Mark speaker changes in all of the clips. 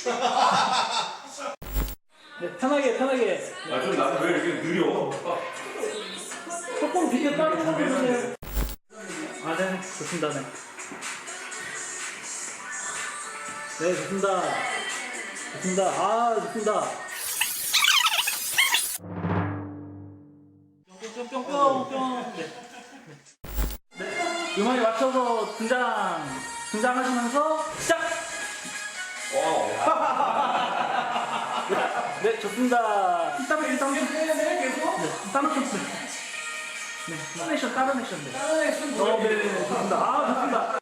Speaker 1: 네, 편하게.
Speaker 2: 아, 좀 나는 왜 이렇게 느려?
Speaker 1: 조금 비교 다른 거 해주세요. 아, 네, 좋습니다. 네. 네, 좋습니다. 아, 좋습니다. 뿅뿅뿅뿅. 네. 음악에 맞춰서 등장하시면서 시작! 네, 좋습니다. 이따 계속? 네, 다른 액션. 네. 네, 좋습니다. 아, 좋습니다.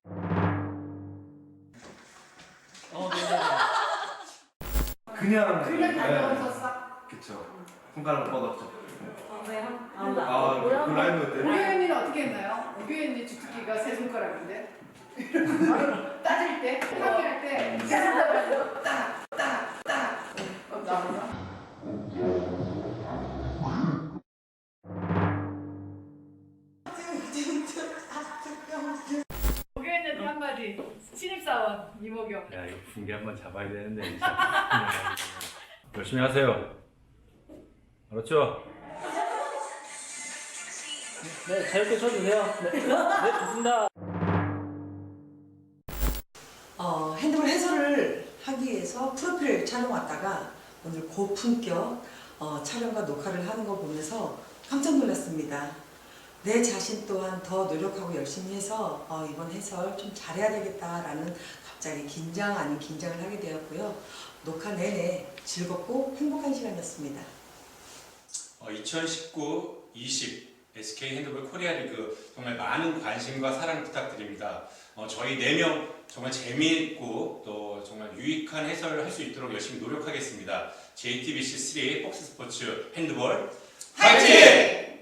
Speaker 2: 그냥
Speaker 3: 다녀오셨어?
Speaker 2: 그쵸. 손가락 뻗었죠.
Speaker 3: 왜요?
Speaker 2: 그 라이브 때.
Speaker 3: 우리 언니는 어떻게 했나요? 우리 언니 주특기가 세 손가락인데 따질 때, 항의할 때 세 손가락으로 딱딱딱 나오나? 목요일에 한마디 신입사원 이모경.
Speaker 2: 야, 이거 분기 한번 잡아야 되는데. 열심히 하세요. 알았죠?
Speaker 1: 네, 자유롭게 쳐주세요. 네, 좋습니다.
Speaker 4: 핸드볼 해설을 하기 위해서 프로필 촬영 왔다가 오늘 고품격 촬영과 녹화를 하는 거 보면서 깜짝 놀랐습니다. 내 자신 또한 더 노력하고 열심히 해서 이번 해설 좀 잘해야 되겠다라는 갑자기 긴장 아닌 긴장을 하게 되었고요. 녹화 내내 즐겁고 행복한 시간이었습니다.
Speaker 5: 2019-20 SK 핸드볼 코리아 리그 정말 많은 관심과 사랑 부탁드립니다. 저희 4명 정말 재미있고 또 정말 유익한 해설을 할 수 있도록 열심히 노력하겠습니다. JTBC3 폭스스포츠 핸드볼 화이팅!